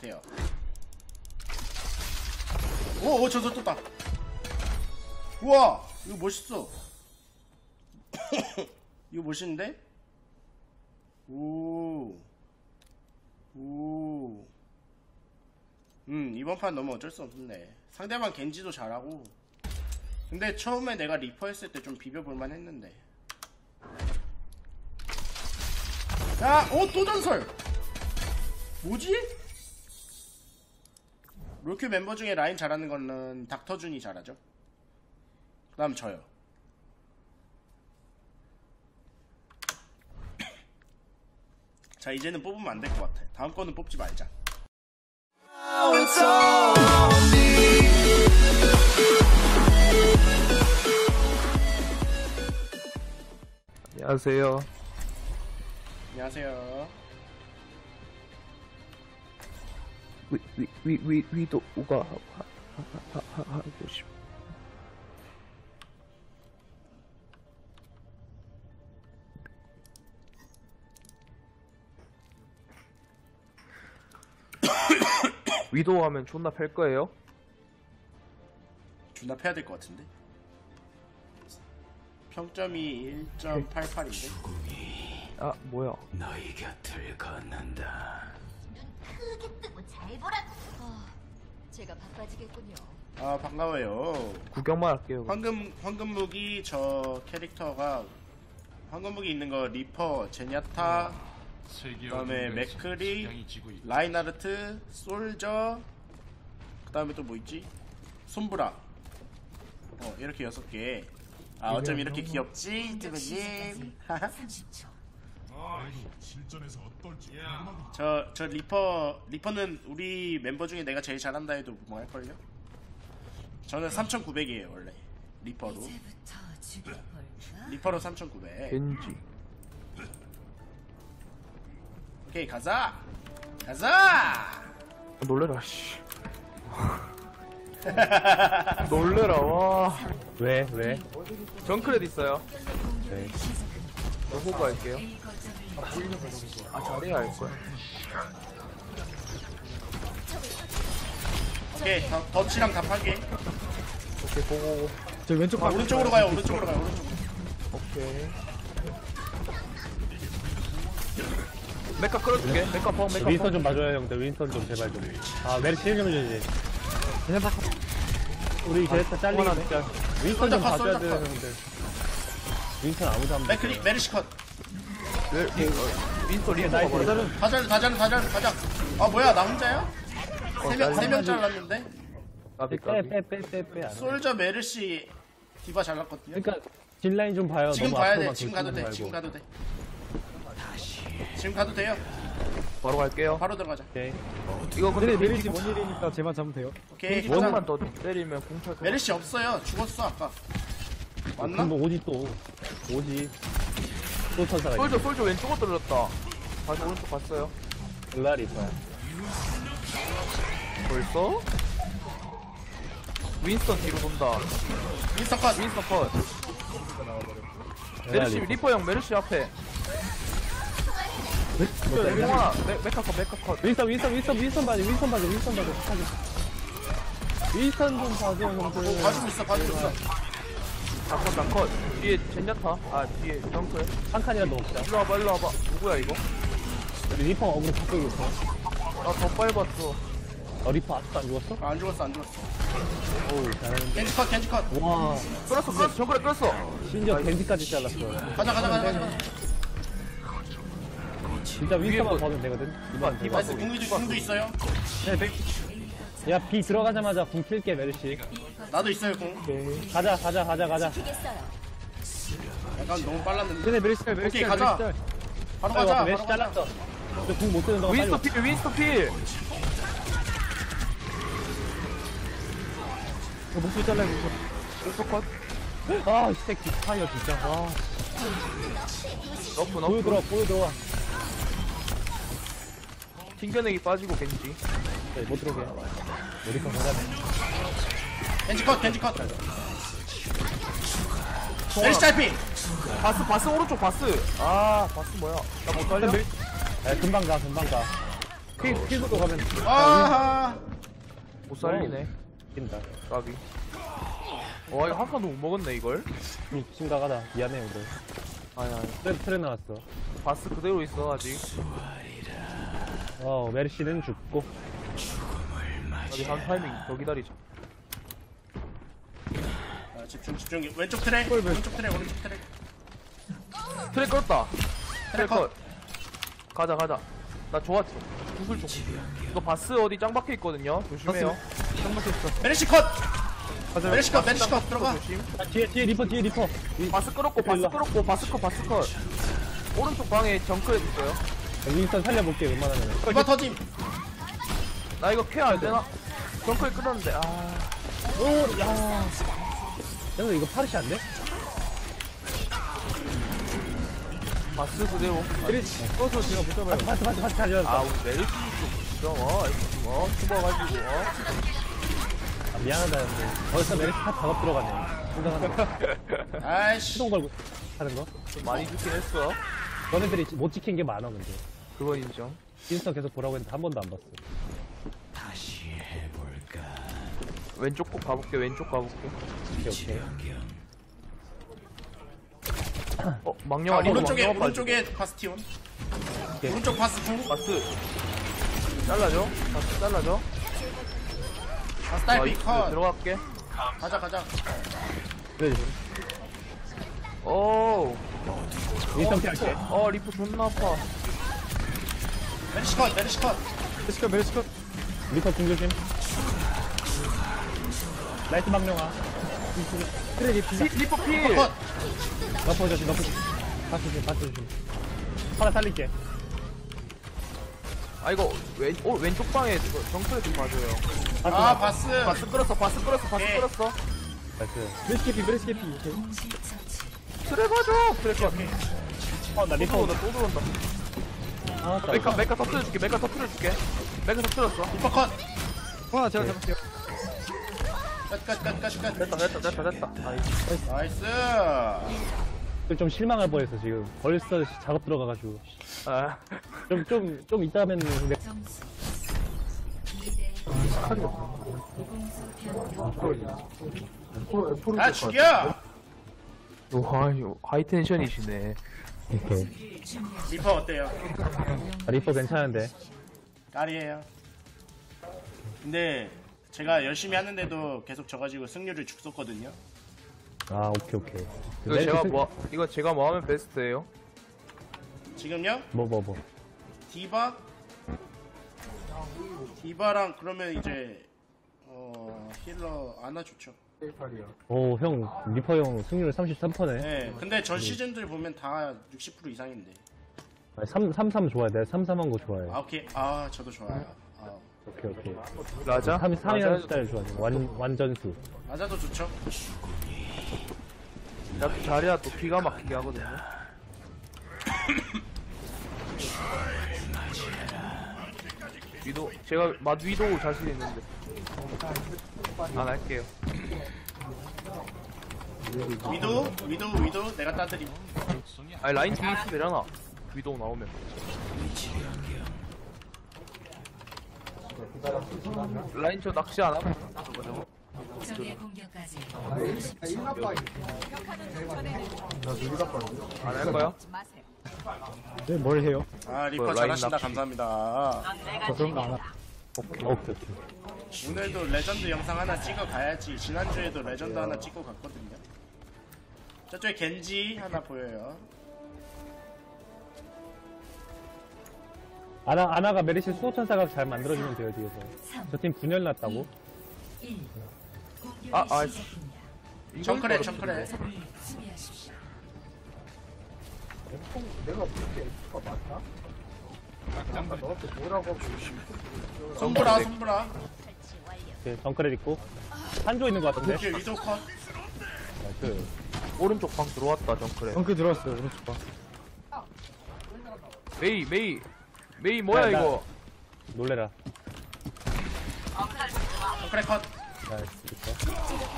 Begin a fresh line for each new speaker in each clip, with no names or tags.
돼요. 오, 저서 떴다. 우와, 이거 멋있어. 이거 멋있는데? 오. 이번 판 너무 어쩔 수 없네. 상대방 겐지도 잘하고. 근데 처음에 내가 리퍼 했을 때 좀 비벼볼만 했는데. 야, 또 전설! 뭐지? 롤큐 멤버 중에 라인 잘하는 거는 닥터준이 잘하죠. 그 다음 저요. 자, 이제는 뽑으면 안 될 것 같아. 다음 거는 뽑지 말자.
안녕하세요.
안녕하세요.
위도가 하고 싶. 위도 하면 존나 팰 거예요?
존나 패야 될 것 같은데. 평점이 1.88인데.
아 뭐야?
너희 곁을 걷는다.
눈 크게 뜨고 잘 보라고. 제가 바빠지겠군요.
아, 반가워요.
구경만 할게요.
황금 무기 저 캐릭터가 황금 무기 있는 거 리퍼, 제냐타, 그다음에 맥크리, 라인하르트, 솔저, 그다음에 또 뭐 있지? 솜브라. 이렇게 6개. 아, 어쩜 이렇게 귀엽지, 드베님.
30초.
실전에서 어떨지
저 리퍼는 우리 멤버 중에 내가 제일 잘한다 해도 뭐 할걸요? 저는 3,900이에요 원래 리퍼로.
이제부터 죽여볼까?
리퍼로 3,900.
겐지.
오케이, 가자.
놀래라 씨. 놀래라 와.
왜?
정크렛 있어요.
네.
호구 할게요. 아 자리야 할 거야.
오케이, 덫이랑 다 팔게.
오케이 보고.
저 왼쪽
오른쪽으로 가요. 오른쪽으로.
오케이. 메카 끌어줄게. 메카 펑.
윈스턴 좀 봐줘요 형들. 윈스턴 좀 제발 좀. 아 메리시 힐좀 해줘야지. 우리 제스타 잘리겠네. 윈스턴 좀 봐줘야 돼요 형들. 윈스턴 아무도 안 봐.
메르시컷.
윈스턴 리에
나이스.
나이스.
가자. 아, 뭐야, 나 혼자야? 3명 잘랐는데?
까비.
빼.
솔저, 메르시, 디바 잘랐거든요.
그러니까 딜라인 좀 봐요.
지금
너무
가야
앞으로만
돼. 지금
돌리지
가도 돼.
말고.
지금 가도 돼요.
바로 갈게요.
바로 들어가자.
오케이.
이거 근데
메리시 뭔 일이니까 쟤만 잡으면 돼요.
오케이.
원만 더 때리면 공탈.
메르시 없어요. 죽었어 아까. 맞나?
그럼 뭐 오지 또. 또 천사가 있네.
솔저 왼쪽으로 떨어졌다. 다시 오른쪽 갔어요.
글라리 있어요.
벌써? 윈스턴 뒤로 돈다.
윈스턴 컷.
윈스턴 컷. 메르시 리퍼 형 메르시 앞에. 공아 메카 컷.
윈스턴 봐줘. 윈스턴 좀 봐줘 형들.
봐주고 있어.
다 컷. 뒤에 젠자타. 아 뒤에 정크에.
한 칸이라도 먹자.
일로 와봐. 누구야 이거?
우리 리퍼 어그로 바꾸고 있어.
나 더 빨봤어.
리퍼 아직도 안 죽었어?
안 죽었어.
어우 잘하는데.
겐지 컷.
와
끌었어. 정크에 끌었어.
심지어 겐지까지 잘랐어.
가자.
진짜 윈스턴만 봐주면 되거든. 이번 대박.
나이스. 궁도 있어요.
야 B 들어가자마자 궁 킬게 메르시.
나도 있어요 궁.
가자.
죽이겠어요.
약간 너무 빨랐는데.
근데 메르시
오케이, 가자. 바로 가자.
메르시 잘랐어. 궁못 쓰는 동안 빨리.
윈스턴 필.
목소리 잘라
윈스턴 컷.
아이 새끼 파이어 진짜. 와.
너프.
보여 들어와.
튕겨내기 빠지고 겐지.
네, 못 들어오게. 메리카 잘하네.
겐지 컷. 메르시 딸피.
바스 오른쪽 바스. 아 바스 뭐야? 나 못 살려?
금방 가. 피부도 가면
아,
못 살리네.
낀다.
까비. 와 이거 한 판도 못 먹었네 이걸.
심각하다. 미안해요, 그래.
아니
트레 나왔어.
바스 그대로 있어 아직.
메르시는 죽고.
아직 한 타이밍 더 기다리자.
아, 집중. 왼쪽 트랙, 오른쪽 트랙.
트랙 껐다. 트랙
컷.
컷. 가자. 나 좋았어. 구슬 좀. 이거 바스 어디 짱 박혀 있거든요. 조심해요. 짱 박혀 있어.
메르시 컷. 메르시 컷 들어가.
조심.
뒤에 리퍼.
바스 끌었고 바스 컷. 오른쪽 방에 정크레 있어요.
윈스턴 살려볼게, 웬만하면.
이거 터짐.
나 이거 케어 안 되나? 정크레 끌었는데
형, 이거 파르시 안 돼?
바스 그대로.
꺼서 제가 못 잡아요. 파스 가져왔어.
아 우리 메리시 좀 숨어가지고
미안하다, 근데. 벌써 메르시 다 작업 들어가네. 생각하는 거.
아이씨.
시동 걸고 하는 거.
좀 많이 죽긴 했어.
너네들이 못 지킨 게 많아, 근데.
그건 인정.
윈스턴 계속 보라고 했는데 한 번도 안 봤어.
다시 해볼까?
왼쪽 꼭 가볼게.
오케이.
망령아
아,
리버
오른쪽에
망령아
바스티온.
오케이.
오른쪽 바스 구.
바스 잘라줘. 바스 잘라줘.
바스 딸피 컷.
들어갈게.
가자.
그래,
오.
윈스턴 피할게.
리프 존나 아파.
메르시 컷.
메르시컷. 리퍼 궁조심. 라이트 망령아. 그래,
리프 필.
컷.
너퍼 조심. 바스 조심. 하나 살릴게.
아 이거 왼쪽 방에 정크레 좀 봐줘요.
아, 바스.
바스 끌었어.
예.
끌었어.
나이스. 메르시캐피.
트레 봐줘. 트레 컷.
나
또
리퍼.
들어온다. 메카 터트려줄게. 메카 터트렸어.
리퍼 컷.
제가 잡을게요.
끝.
됐다.
나이스.
좀 실망할 뻔했어, 지금. 벌써 작업 들어가가지고.
아.
좀 이따 하면 근데
점수
아, 죽여.
와, 하이 텐션이시네.
리퍼 어때요?
리퍼 괜찮은데.
깔이에요. 근데 제가 열심히 하는데도 계속 져가지고 승률을 죽었거든요.
아, 오케이.
이거 제가 뭐 하면 베스트예요?
지금요?
뭐.
디바랑 그러면 이제 힐러 아나 좋죠.
오, 형, 리퍼 형 승률 33%네.
네. 근데 전 시즌들 보면 다 60% 이상인데.
33 좋아해. 내가 33한 거 좋아해.
아, 오케이. 아, 저도 좋아요. 아,
오케이.
라자?
3이라는 스타일 좋아해. 완전수.
아자도 좋죠.
야, 자리야 또 기가 막히게 하거든요. 제가 위도 자신 있는데 안 할게요.
위도 내가 따드림.
아니 라인 뒤에 있으면 되잖아. 위도 나오면. 라인 저 낚시 안 하고
적의 공격까지
안 할 거야?
네, 뭘 해요?
아, 리퍼
라인
잘하신다.
낚시.
감사합니다.
저 그런 거 안 하. 오케이.
오늘도 레전드 영상 하나 찍어 가야지. 지난주에도 레전드 하나 찍고 갔거든요. 저쪽에 겐지 하나 보여요.
아나가 메리시 수호천 사각 잘 만들어주면 돼요, 뒤에서. 저 팀 분열 났다고?
정크레.
수비하십시오.
손브라.
오케이, 덩크렛 있고. 한조 있는 거 같은데?
뒤에 위도 컷.
나이스.
오른쪽 방 들어왔다 정크레.
덩크 들어왔어요, 오른쪽 봐.
메이 뭐야
나-
이거?
놀래라.
정크레 컷.
나이스, 좋다.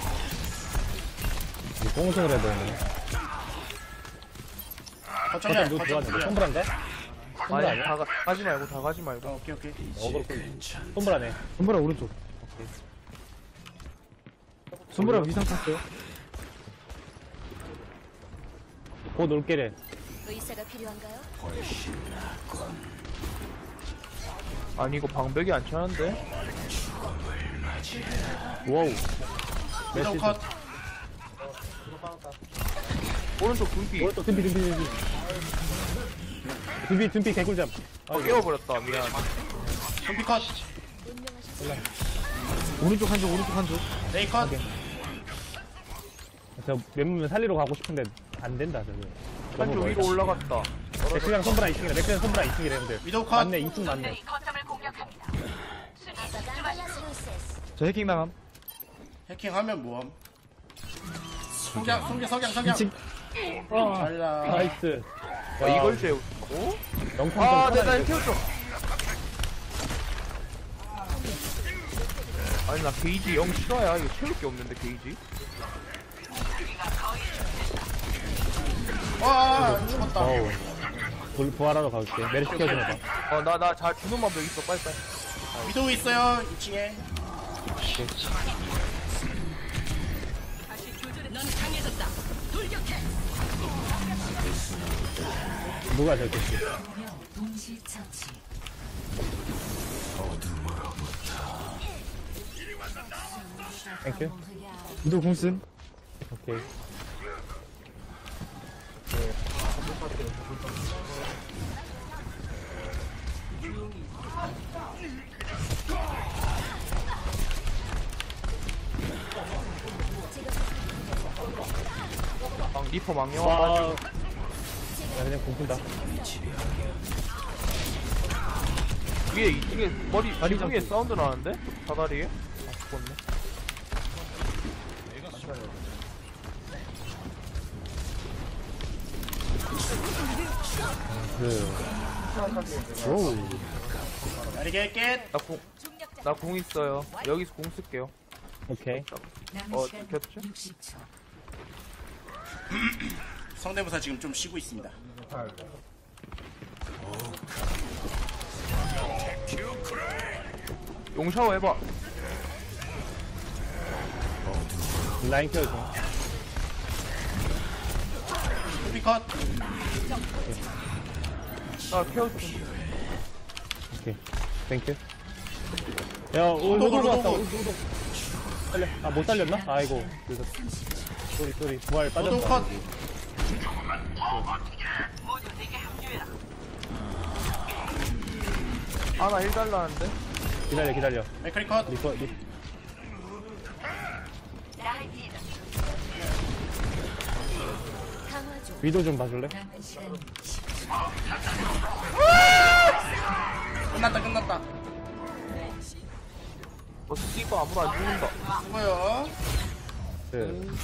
이거 꽁승을 해야 되네.
거점이야.
누구
거점
좋아하는데?
둘이야.
첨불한가? 손보라
아니
아니야?
다 가지 말고 다 가지 말고.
오케이 오케이.
어그로 끌 손보라네.
손보라 오른쪽. 손보라 위상 탔어요.
곧 올게래.
의사가 필요한가요?
아니 이거 방벽이 안 차는데?
와우.
위도우 컷.
오른쪽 분피.
오른쪽 둠피 개꿀잠.
깨워버렸다. 미안.
좀비 컷.
오른쪽 한 줄, 오른쪽 한 줄.
레이 컷.
저 웬만하면 살리러 가고 싶은데 안 된다 저기.
한쪽 위로 올라갔다.
맥스랑 손보라 2층이래. 맥스랑 손보라 2층이래 근데.
위도우 컷.
맞네 2층 맞네.
저 해킹 당함.
해킹하면 뭐함? 석양.
2층.
잘라.
나이스.
이걸 재우고?
영상
아,
좀
내가
편하게
키워줘. 아니 나 게이지 영 싫어야. 이거 채울 게 없는데 게이지.
와 죽었다.
어우. 부활하러 가볼게. 메리 시켜주나 봐.
나 잘 주는 방법 있어. 빨리빨리.
위도우 있어요 2층에.
누가 저렇게 했지? 땡큐.
위도 공쓴.
오케이.
리퍼 망령.
와. 야 그냥 공푼다.
위에 이쪽에 머리 지붕에 사운드 나는데? 사다리에? 아 죽었네.
오우.
날개 깻.
나 공 있어요. 여기서 공 쓸게요.
오케이.
겹쳐?
성대모사 지금 좀 쉬고 있습니다.
용 샤워 해봐.
라인 켜줘.
좀비 컷.
나 케어줘.
오케이. 땡큐. 야,
로도,
로도 왔다.
로도.
살려. 아, 못 살렸나? 아이고. 그래서. 쏘리. 부활
로도
빠졌다.
컷.
나 1달러는데?
기다려.
맥크리 컷.
리퍼. 위도 좀 봐줄래?
끝났다.
스티커 아무도 안 죽는다.
수고요.
그,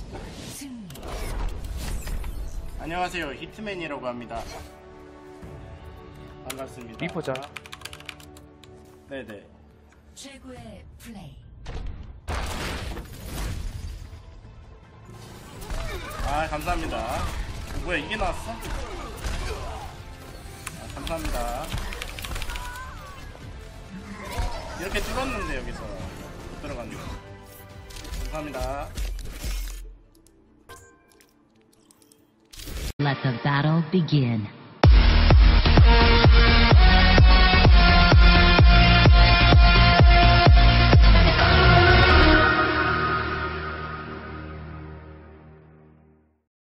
안녕하세요. 히트맨이라고 합니다. 반갑습니다.
리퍼 잘.
네네.
최고의 플레이.
아 감사합니다. 뭐야 이게 나왔어? 아, 감사합니다. 이렇게 뚫었는데 여기서 못 들어갔네. 감사합니다.
Let the battle begin.